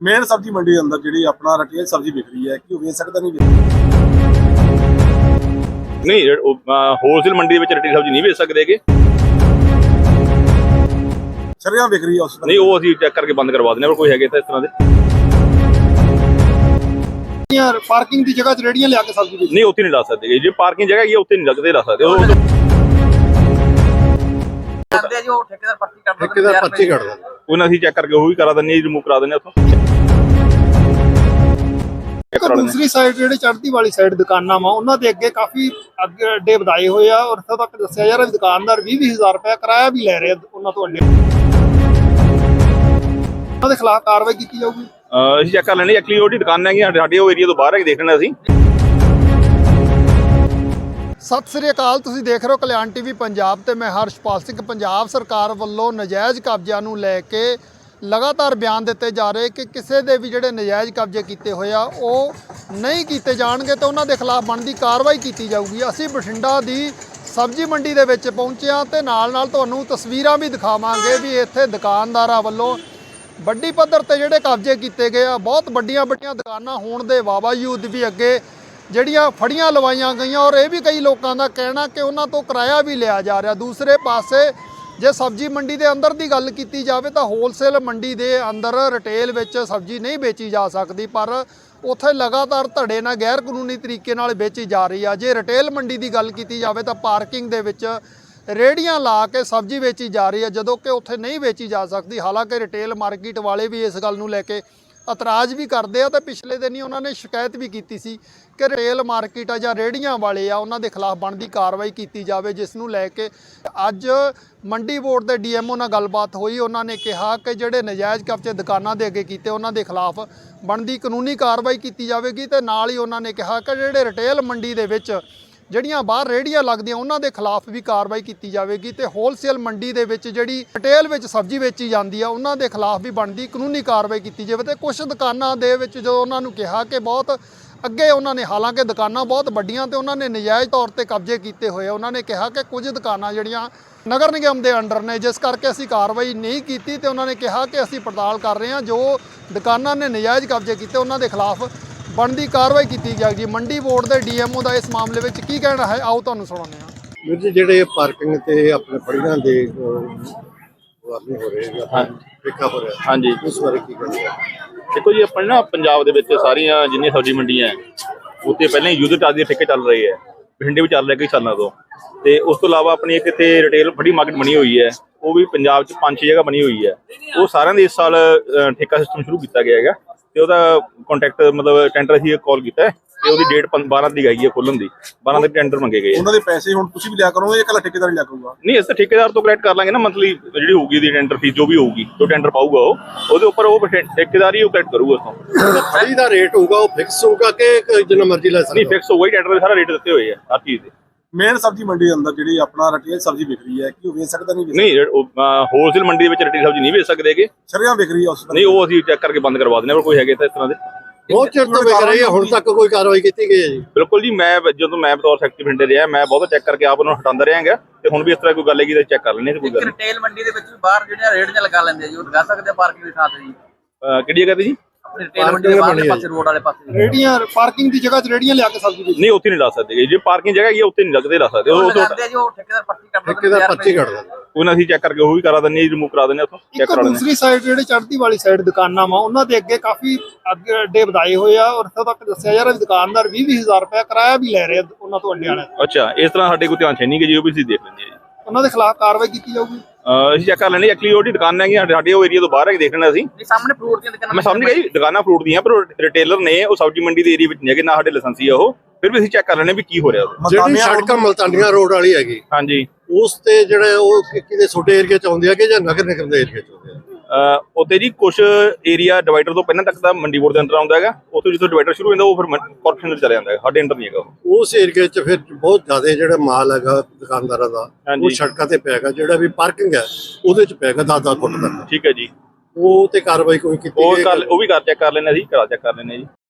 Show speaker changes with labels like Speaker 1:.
Speaker 1: Main ਸਬਜ਼ੀ ਮੰਡੀ ਦੇ ਅੰਦਰ ਜਿਹੜੀ ਆਪਣਾ ਰਟੇਲ ਸਬਜ਼ੀ ਵਿਕ ਰਹੀ ਹੈ ਕਿ ਉਹ ਵੇਚ ਸਕਦਾ ਨਹੀਂ
Speaker 2: ਨਹੀਂ ਹੋਲਸੇਲ ਮੰਡੀ ਦੇ ਵਿੱਚ ਰਟੇਲ ਸਬਜ਼ੀ ਨਹੀਂ ਵੇਚ ਸਕਦੇਗੇ।
Speaker 1: ਸ਼ਰੇਆਮ ਵਿਕ ਰਹੀ ਹੈ ਉਸ
Speaker 2: ਨਹੀਂ ਉਹ ਅਸੀਂ ਚੈੱਕ ਕਰਕੇ ਬੰਦ ਕਰਵਾ ਦਿੰਦੇ ਹਾਂ। ਕੋਈ ਹੈਗੇ ਤਾਂ ਇਸ ਤਰ੍ਹਾਂ ਦੇ
Speaker 3: ਯਾਰ ਪਾਰਕਿੰਗ ਦੀ ਜਗ੍ਹਾ 'ਚ ਰੇੜੀਆਂ ਲਿਆ ਕੇ ਸਬਜ਼ੀ ਵੇਚਦੇ
Speaker 2: ਨਹੀਂ ਉੱਥੇ ਨਹੀਂ ਲਾ ਸਕਦੇ। ਜੇ ਪਾਰਕਿੰਗ ਜਗ੍ਹਾ ਹੈਗੀ ਉੱਥੇ ਨਹੀਂ ਲੱਗਦੇ ਲਾ ਸਕਦੇ। ਉਹ
Speaker 4: ਕਰਦੇ ਜੋ ਠੇਕੇਦਾਰ ਪਰਚੀ ਕੱਢਦਾ
Speaker 3: ਠੇਕੇਦਾਰ ਪਰਚੀ ਕੱਢਦਾ
Speaker 2: ਉਹਨਾਂ ਅਸੀਂ ਚੈੱਕ ਕਰਕੇ ਉਹ ਵੀ ਕਰਾ ਦਿੰਦੇ ਹਾਂ, ਰਿਮੂਵ ਕਰਾ ਦਿੰਦੇ ਹਾਂ ਉੱਥੋਂ।
Speaker 3: ਦੂਸਰੀ ਸਾਈਡ ਜਿਹੜੇ ਚੜ੍ਹਦੀ ਵਾਲੀ ਸਾਈਡ ਦੁਕਾਨਾਂ ਵਾ ਉਹਨਾਂ ਦੇ ਅੱਗੇ ਕਾਫੀ ਅੱਗੇ ਅੱਡੇ ਵਧਾਏ ਹੋਏ ਆ ਔਰ ਇੱਥੋਂ ਤੱਕ ਦੱਸਿਆ ਯਾਰ ਦੁਕਾਨਦਾਰ 20,000 ਰੁਪਏ ਕਿਰਾਇਆ ਵੀ ਲੈ ਰਹੇ ਉਹਨਾਂ ਤੋਂ ਅੱਡੇ। ਉਹਨਾਂ ਦੇ ਖਿਲਾਫ ਕਾਰਵਾਈ ਕੀਤੀ ਜਾਊਗੀ।
Speaker 2: ਅਸੀਂ ਚੈੱਕ ਕਰ ਲੈਣੇ ਐਕਚੁਅਲੀ ਉਹਦੀ ਦੁਕਾਨ ਹੈਗੀ ਸਾਡੇ ਉਹ ਏਰੀਆ ਤੋਂ ਬਾਹਰ ਹੈ ਕਿ ਦੇਖ ਲੈਣਾ ਅਸੀਂ।
Speaker 3: ਸਤਿ ਸ੍ਰੀ ਅਕਾਲ, ਤੁਸੀਂ ਦੇਖ ਰਹੇ ਹੋ ਕਲਿਆਣ ਟੀਵੀ ਪੰਜਾਬ ਤੇ ਮੈਂ ਹਰਸ਼ਪਾਲ ਸਿੰਘ। ਪੰਜਾਬ ਸਰਕਾਰ ਵੱਲੋਂ ਨਜਾਇਜ਼ ਕਬਜ਼ਿਆਂ ਨੂੰ ਲੈ ਕੇ ਲਗਾਤਾਰ ਬਿਆਨ ਦਿੱਤੇ ਜਾ ਰਹੇ ਕਿ ਕਿਸੇ ਦੇ ਵੀ ਜਿਹੜੇ ਨਜਾਇਜ਼ ਕਬਜ਼ੇ ਕੀਤੇ ਹੋਏ ਆ ਉਹ ਨਹੀਂ ਕੀਤੇ ਜਾਣਗੇ ਤੇ ਉਹਨਾਂ ਦੇ ਖਿਲਾਫ ਬਣਦੀ ਕਾਰਵਾਈ ਕੀਤੀ ਜਾਊਗੀ। ਅਸੀਂ ਬਠਿੰਡਾ ਦੀ ਸਬਜ਼ੀ ਮੰਡੀ ਦੇ ਵਿੱਚ ਪਹੁੰਚੇ ਹਾਂ ਤੇ ਨਾਲ ਤੁਹਾਨੂੰ ਤਸਵੀਰਾਂ ਵੀ ਦਿਖਾਵਾਂਗੇ ਵੀ ਇੱਥੇ ਦੁਕਾਨਦਾਰਾਂ ਵੱਲੋਂ ਵੱਡੀ ਪੱਧਰ ਤੇ ਜਿਹੜੇ ਕਬਜ਼ੇ ਕੀਤੇ ਗਏ ਆ। ਬਹੁਤ ਵੱਡੀਆਂ ਦੁਕਾਨਾਂ ਹੋਣ ਦੇ ਬਾਵਜੂਦ ਵੀ ਅੱਗੇ ਜਿਹੜੀਆਂ ਫੜੀਆਂ ਲਵਾਈਆਂ ਗਈਆਂ ਔਰ ਇਹ ਵੀ ਕਈ ਲੋਕਾਂ ਦਾ ਕਹਿਣਾ ਕਿ ਉਹਨਾਂ ਤੋਂ ਕਿਰਾਇਆ ਵੀ ਲਿਆ ਜਾ ਰਿਹਾ। ਦੂਸਰੇ ਪਾਸੇ ਜੇ ਸਬਜ਼ੀ ਮੰਡੀ ਦੇ ਅੰਦਰ ਦੀ ਗੱਲ ਕੀਤੀ ਜਾਵੇ ਤਾਂ ਹੋਲਸੇਲ ਮੰਡੀ ਦੇ ਅੰਦਰ ਰਿਟੇਲ ਵਿੱਚ ਸਬਜ਼ੀ ਨਹੀਂ ਵੇਚੀ ਜਾ ਸਕਦੀ, ਪਰ ਉੱਥੇ ਲਗਾਤਾਰ ਧੜੇ ਨਾਲ ਗੈਰ ਕਾਨੂੰਨੀ ਤਰੀਕੇ ਨਾਲ ਵੇਚੀ ਜਾ ਰਹੀ ਆ। ਜੇ ਰਿਟੇਲ ਮੰਡੀ ਦੀ ਗੱਲ ਕੀਤੀ ਜਾਵੇ ਤਾਂ ਪਾਰਕਿੰਗ ਦੇ ਵਿੱਚ ਰੇੜੀਆਂ ਲਾ ਕੇ ਸਬਜ਼ੀ ਵੇਚੀ ਜਾ ਰਹੀ ਹੈ, ਜਦੋਂ ਕਿ ਉੱਥੇ ਨਹੀਂ ਵੇਚੀ ਜਾ ਸਕਦੀ। ਹਾਲਾਂਕਿ ਰਿਟੇਲ ਮਾਰਕੀਟ ਵਾਲੇ ਵੀ ਇਸ ਗੱਲ ਨੂੰ ਲੈ ਕੇ ਇਤਰਾਜ਼ ਵੀ ਕਰਦੇ ਆ ਤੇ ਪਿਛਲੇ ਦਿਨ ਹੀ ਉਹਨਾਂ ਨੇ ਸ਼ਿਕਾਇਤ ਵੀ ਕੀਤੀ ਸੀ ਕਿ ਰਿਟੇਲ ਮਾਰਕੀਟ ਆ ਜਾਂ ਰੇੜੀਆਂ ਵਾਲੇ ਆ ਉਹਨਾਂ ਦੇ ਖਿਲਾਫ ਬਣਦੀ ਕਾਰਵਾਈ ਕੀਤੀ ਜਾਵੇ, ਜਿਸ ਨੂੰ ਲੈ ਕੇ ਅੱਜ ਮੰਡੀ ਬੋਰਡ ਦੇ ਡੀਐਮਓ ਨਾਲ ਗੱਲਬਾਤ ਹੋਈ। ਉਹਨਾਂ ਨੇ ਕਿਹਾ ਕਿ ਜਿਹੜੇ ਨਜਾਇਜ਼ ਕਬਜ਼ੇ ਦੁਕਾਨਾਂ ਦੇ ਅੱਗੇ ਕੀਤੇ ਉਹਨਾਂ ਦੇ ਖਿਲਾਫ ਬਣਦੀ ਕਾਨੂੰਨੀ ਕਾਰਵਾਈ ਕੀਤੀ ਜਾਵੇਗੀ ਤੇ ਨਾਲ ਹੀ ਉਹਨਾਂ ਨੇ ਕਿਹਾ ਕਿ ਜਿਹੜੇ ਰਿਟੇਲ ਮੰਡੀ ਦੇ ਵਿੱਚ ਜਿਹੜੀਆਂ ਬਾਹਰ ਰੇੜੀਆਂ ਲੱਗਦੀਆਂ ਉਹਨਾਂ ਦੇ ਖਿਲਾਫ ਵੀ ਕਾਰਵਾਈ ਕੀਤੀ ਜਾਵੇਗੀ ਤੇ ਹੋਲਸੇਲ ਮੰਡੀ ਦੇ ਵਿੱਚ ਜਿਹੜੀ ਰਿਟੇਲ ਵਿੱਚ ਸਬਜ਼ੀ ਵੇਚੀ ਜਾਂਦੀ ਆ ਉਹਨਾਂ ਦੇ ਖਿਲਾਫ ਵੀ ਬਣਦੀ ਕਾਨੂੰਨੀ ਕਾਰਵਾਈ ਕੀਤੀ ਜਾਵੇ। ਤੇ ਕੁਝ ਦੁਕਾਨਾਂ ਦੇ ਵਿੱਚ ਜਦੋਂ ਉਹਨਾਂ ਨੂੰ ਕਿਹਾ ਕਿ ਬਹੁਤ ਅੱਗੇ ਉਹਨਾਂ ਨੇ, ਹਾਲਾਂਕਿ ਦੁਕਾਨਾਂ ਬਹੁਤ ਵੱਡੀਆਂ ਤੇ ਉਹਨਾਂ ਨੇ ਨਜਾਇਜ਼ ਤੌਰ ਤੇ ਕਬਜ਼ੇ ਕੀਤੇ ਹੋਏ ਆ, ਉਹਨਾਂ ਨੇ ਕਿਹਾ ਕਿ ਕੁਝ ਦੁਕਾਨਾਂ ਜਿਹੜੀਆਂ ਨਗਰ ਨਿਗਮ ਦੇ ਅੰਡਰ ਨੇ ਜਿਸ ਕਰਕੇ ਅਸੀਂ ਕਾਰਵਾਈ ਨਹੀਂ ਕੀਤੀ ਤੇ ਉਹਨਾਂ ਨੇ ਕਿਹਾ ਕਿ ਅਸੀਂ ਪੜਤਾਲ ਕਰ ਰਹੇ ਹਾਂ, ਜੋ ਦੁਕਾਨਾਂ ਨੇ ਨਜਾਇਜ਼ ਕਬਜ਼ੇ ਕੀਤੇ ਉਹਨਾਂ ਦੇ ਖਿਲਾਫ ਬਣਦੀ ਕਾਰਵਾਈ ਕੀਤੀ ਜਾਏਗੀ। ਮੰਡੀ ਬੋਰਡ ਦੇ ਡੀਐਮਓ ਦਾ ਇਸ ਮਾਮਲੇ ਵਿੱਚ ਕੀ ਕਹਿਣਾ ਹੈ, ਆਓ ਤੁਹਾਨੂੰ ਸੁਣਾਉਂਦੇ ਹਾਂ।
Speaker 5: ਵੀਰ ਜੀ, ਜਿਹੜੇ ਪਾਰਕਿੰਗ ਤੇ ਆਪਣੇ ਫੜੀਆਂ ਦੇ ਵਾਰਨੇ ਹੋ ਰਹੇ ਆ, ਠੇਕਾ ਹੋ ਰਿਹਾ,
Speaker 2: ਹਾਂਜੀ
Speaker 5: ਉਸ ਬਾਰੇ ਕੀ ਕਹਿੰਦੇ ਆ?
Speaker 2: ਦੇਖੋ ਜੀ, ਆਪਣੇ ਨਾ ਪੰਜਾਬ ਦੇ ਵਿੱਚ ਸਾਰੀਆਂ ਜਿੰਨੀਆਂ ਸਬਜ਼ੀ ਮੰਡੀਆਂ ਉੱਤੇ ਪਹਿਲਾਂ ਹੀ ਯੂਜ਼ਰ ਚਾਰਜ ਦੇ ਠੇਕੇ ਚੱਲ ਰਹੇ ਹੈ। ਬਠਿੰਡੇ ਵੀ ਚੱਲ ਰਿਹਾ ਕਈ ਸਾਲਾਂ ਤੋਂ। ਤੇ ਉਸ ਤੋਂ ਇਲਾਵਾ ਆਪਣੀ ਇੱਕ ਇੱਥੇ ਰਿਟੇਲ ਫੜੀ ਮਾਰਕੀਟ ਬਣੀ ਹੋਈ ਹੈ, ਉਹ ਵੀ ਪੰਜਾਬ 'ਚ 5-6 ਜਗ੍ਹਾ ਬਣੀ ਹੋਈ ਹੈ। ਉਹ ਸਾਰਿਆਂ ਦੇ ਇਸ ਸਾਲ ਠੇਕਾ ਸਿਸਟਮ ਸ਼ੁਰੂ ਕੀਤਾ ਗਿਆ ਹੈਗਾ ਤੇ ਉਹਦਾ ਕੰਟੈਕਟ ਮਤਲਬ ਟੈਂਡਰ ਅਸੀਂ ਕਾਲ ਕੀਤਾ ਤੇ ਉਹਦੀ ਡੇਟ 12 ਦੀ ਹੈਗੀ ਹੈ ਖੁੱਲਣ ਦੀ। 12 ਦੇ ਟੈਂਡਰ ਮੰਗੇ ਗਏ।
Speaker 1: ਉਹਨਾਂ ਦੇ ਪੈਸੇ ਹੁਣ ਤੁਸੀਂ ਵੀ ਲਿਆ ਕਰੋਗੇ ਜਾਂ ਇਕੱਲਾ ਠੇਕੇਦਾਰ ਹੀ ਲਿਆ ਕਰੂਗਾ?
Speaker 2: ਨਹੀਂ, ਅਸੀਂ ਠੇਕੇਦਾਰ ਤੋਂ ਕਲੈਕਟ ਕਰ ਲਾਂਗੇ ਨਾ, ਮੰਥਲੀ ਜਿਹੜੀ ਹੋਊਗੀ ਦੀ ਟੈਂਡਰ ਫੀਸ ਜੋ ਵੀ ਹੋਊਗੀ, ਜੋ ਟੈਂਡਰ ਪਾਊਗਾ ਉਹਦੇ ਉੱਪਰ ਉਹ ਠੇਕੇਦਾਰ ਹੀ ਉਹ ਕਲੈਕਟ ਕਰੂਗਾ ਉਸ ਤੋਂ।
Speaker 5: ਫੜੀ ਦਾ ਰੇਟ ਹੋਊਗਾ ਉਹ ਫਿਕਸ ਹੋਊਗਾ ਕਿ ਜਿੰਨਾ ਮਰਜ਼ੀ ਲੈ
Speaker 2: ਨਹੀਂ,
Speaker 5: ਸਕਦਾ?
Speaker 2: ਫਿਕਸ ਹੋਊਗਾ ਹੀ, ਟੈਂਡਰ ਦੇ ਸਾਰਾ ਰੇਟ ਦਿੱਤੇ ਹੋਏ ਆ ਹਰ ਚੀਜ਼ ਦੇ।
Speaker 1: ਮੇਨ ਸਬਜ਼ੀ ਮੰਡੀ ਦੇ ਅੰਦਰ ਜਿਹੜੀ ਆਪਣਾ ਰਟੇਲ ਸਬਜ਼ੀ ਵਿਕ ਰਹੀ ਹੈ ਕਿ ਉਹ ਵੇਚ ਸਕਦਾ ਨਹੀਂ
Speaker 2: ਨਹੀਂ, ਹੋਲਸੇਲ ਮੰਡੀ ਦੇ ਵਿੱਚ ਰਟੇਲ ਸਬਜ਼ੀ ਨਹੀਂ ਵੇਚ ਸਕਦੇਗੇ।
Speaker 1: ਸ਼ਰੇਆਮ ਵਿਕ ਰਹੀ ਹੈ ਉਸ
Speaker 2: ਨਹੀਂ ਉਹ ਅਸੀਂ ਚੈੱਕ ਕਰਕੇ ਬੰਦ ਕਰਵਾ ਦਿੰਦੇ ਹਾਂ। ਕੋਈ ਹੈਗੇ ਤਾਂ ਇਸ ਤਰ੍ਹਾਂ ਦੇ
Speaker 5: ਬਹੁਤ ਚਿਰ ਤੋਂ ਵਿਕ ਰਹੀ ਹੈ, ਹੁਣ ਤੱਕ ਕੋਈ ਕਾਰਵਾਈ ਕੀਤੀ ਗਈ ਹੈ ਜੀ?
Speaker 2: ਬਿਲਕੁਲ ਜੀ, ਮੈਂ ਜਦੋਂ ਮੈਂ ਬਤੌਰ ਸੈਕਟਰੀ ਬਠਿੰਡੇ ਰਿਹਾ, ਮੈਂ ਬਹੁਤ ਚੈੱਕ ਕਰਕੇ ਆਪ ਉਹਨੂੰ ਹਟਾਉਂਦਾ ਰਿਹਾ ਹੈਗਾ ਤੇ ਹੁਣ ਵੀ ਇਸ ਤਰ੍ਹਾਂ ਕੋਈ ਗੱਲ ਹੈਗੀ ਤਾਂ ਚੈੱਕ ਕਰ ਲੈਣੇ। ਕੋਈ ਗੱਲ
Speaker 4: ਰਿਟੇਲ ਮੰਡੀ ਦੇ ਵਿੱਚ ਵੀ ਬਾਹਰ ਜਿਹੜੀਆਂ ਰੇੜੀਆਂ ਲਗਾ ਲੈਂਦੇ ਆ ਜੀ, ਉਹ ਲਗਾ ਸਕਦੇ ਆ ਪਾਰਕਿੰਗ ਦੀ ਥਾਂ ਤੇ ਜੀ।
Speaker 2: ਕਿਹੜੀ ਜਗ੍ਹਾ ਤੇ ਜੀ?
Speaker 4: ਆਪਣੀ ਰਿਟੇਲ ਮੰਡੀ ਦੇ ਬਾਹਰਲੇ ਪਾਸੇ, ਰੋਡ ਵਾਲੇ ਪਾਸੇ
Speaker 3: ਰੇੜੀਆਂ ਪਾਰਕਿੰਗ ਦੀ ਜਗ੍ਹਾ 'ਚ ਰੇੜੀਆਂ ਲਿਆ ਕੇ ਸਬਜ਼ੀ ਵੇਚਦੇ
Speaker 2: ਨਹੀਂ ਉੱਥੇ ਨਹੀਂ ਲਾ ਸਕਦੇ। ਜੇ ਪਾਰਕਿੰਗ ਜਗ੍ਹਾ ਹੈਗੀ ਉੱਥੇ ਨਹੀਂ ਲੱਗਦੇ ਲਾ ਸਕਦੇ। ਉਹ
Speaker 4: ਕਰਦੇ ਜੋ ਠੇਕੇਦਾਰ ਪਰਚੀ ਕੱਢਦਾ
Speaker 5: ਠੇਕੇਦਾਰ ਪਰਚੀ ਕੱਢਦਾ
Speaker 2: ਉਹਨਾਂ ਅਸੀਂ ਚੈੱਕ ਕਰਕੇ ਉਹ ਵੀ ਕਰਾ ਦਿੰਦੇ ਹਾਂ, ਰਿਮੂਵ ਕਰਾ ਦਿੰਦੇ ਹਾਂ ਉੱਥੋਂ। ਚੈੱਕ ਕਰਾ ਲੈਂਦੇ
Speaker 3: ਦੂਸਰੀ ਸਾਈਡ ਜਿਹੜੇ ਚੜ੍ਹਦੀ ਵਾਲੀ ਸਾਈਡ ਦੁਕਾਨਾਂ ਵਾ ਉਹਨਾਂ ਦੇ ਅੱਗੇ ਕਾਫੀ ਅੱਗੇ ਅੱਡੇ ਵਧਾਏ ਹੋਏ ਆ ਔਰ ਇੱਥੋਂ ਤੱਕ ਦੱਸਿਆ ਯਾਰ ਦੁਕਾਨਦਾਰ 20,000 ਰੁਪਏ ਕਿਰਾਇਆ ਵੀ ਲੈ ਰਹੇ ਉਹਨਾਂ ਤੋਂ ਅੱਡੇ ਵਾਲੇ।
Speaker 2: ਅੱਛਾ, ਇਸ ਤਰ੍ਹਾਂ ਸਾਡੇ ਕੋਲ ਧਿਆਨ ਹੈ ਨਹੀਂ ਕਿ ਜੀ, ਉਹ ਵੀ ਅਸੀਂ ਦੇਖ ਲੈਂਦੇ ਹਾਂ ਜੀ।
Speaker 3: ਉਹਨਾਂ ਦੇ ਖਿਲਾਫ ਕਾਰਵਾਈ ਕੀਤੀ ਜਾਊਗੀ।
Speaker 2: ਅਸੀਂ ਚੈੱਕ ਕਰ ਲੈਣੇ ਐਕਚੁਅਲੀ ਉਹਦੀ ਦੁਕਾਨ ਹੈਗੀ ਸਾਡੇ ਉਹ ਏਰੀਆ ਤੋਂ ਬਾਹਰ ਹੈ ਕਿ ਦੇਖ ਲੈਣਾ ਅਸੀਂ।
Speaker 4: ਸਾਹਮਣੇ ਫਰੂਟ ਦੀਆਂ ਦੁਕਾਨਾਂ,
Speaker 2: ਮੈਂ ਸਮਝ ਗਿਆ ਜੀ, ਦੁਕਾਨਾਂ ਫਰੂਟ ਦੀਆਂ, ਪਰ ਰਿਟੇਲਰ ਨੇ ਉਹ ਸਬਜ਼ੀ ਮੰਡੀ ਦੇ ਏਰੀਆ ਵਿੱਚ ਨਹੀਂ ਹੈਗੇ, ਨਾ ਸਾਡੇ ਲਾਇਸੈਂਸੀ ਆ ਉਹ। ਫਿਰ ਵੀ ਅਸੀਂ ਚੈੱਕ ਕਰ ਲੈਣੇ ਵੀ ਕੀ ਹੋ ਰਿਹਾ ਉਹਦੇ।
Speaker 5: ਜਿਹੜੀ ਸੜਕ ਮਲਤਾਨੀਆਂ ਰੋਡ ਵਾਲੀ ਹੈਗੀ
Speaker 2: ਹਾਂਜੀ,
Speaker 5: ਉਸ ਤੇ ਜਿਹੜੇ ਉਹ ਕਿਤੇ ਛੋਟੇ ਏਰੀਆ ਚ ਆਉਂਦੇ ਆ ਕਿ ਜਾਂ ਨਗਰ ਨਿਗਮ ਦੇ ਏਰੀਆ ਚ ਆਉਂਦੇ ਆ?
Speaker 2: ਉੱਥੇ ਜੀ ਕੁਝ ਏਰੀਆ ਡਿਵਾਈਡਰ ਤੋਂ ਪਹਿਲਾਂ ਤੱਕ ਤਾਂ ਮੰਡੀ ਬੋਰਡ ਦੇ ਅੰਦਰ ਆਉਂਦਾ ਹੈਗਾ। ਉੱਥੋਂ ਜਿੱਥੋਂ ਡਿਵਾਈਡਰ ਸ਼ੁਰੂ ਹੁੰਦਾ ਉਹ ਫਿਰ ਕਾਰਪੋਰੇਸ਼ਨ ਦੇ ਚਲਾ ਜਾਂਦਾ ਹੈ, ਸਾਡੇ ਅੰਦਰ ਨਹੀਂ ਹੈਗਾ ਉਹ।
Speaker 5: ਉਸ ਏਰੀਆ ਚ ਫਿਰ ਬਹੁਤ ਜ਼ਿਆਦਾ ਜਿਹੜਾ ਮਾਲ ਹੈਗਾ ਦੁਕਾਨਦਾਰਾਂ ਦਾ ਉਹ ਸੜਕਾਂ ਤੇ ਪਿਆਗਾ, ਜਿਹੜਾ ਵੀ ਪਾਰਕਿੰਗ ਹੈ ਉਹਦੇ ਚ ਪਿਆਗਾ 10-10 ਫੁੱਟ ਤੱਕ।
Speaker 2: ਠੀਕ ਹੈ ਜੀ,
Speaker 5: ਉਹ ਤੇ ਕਾਰਵਾਈ ਕੋਈ ਕੀਤੀ
Speaker 2: ਉਹ ਵੀ ਕਰ ਚੈੱਕ ਕਰ ਲੈਣੇ ਅਸੀਂ, ਕਰਾ ਚੈੱਕ ਕਰ ਲੈਣੇ ਜੀ।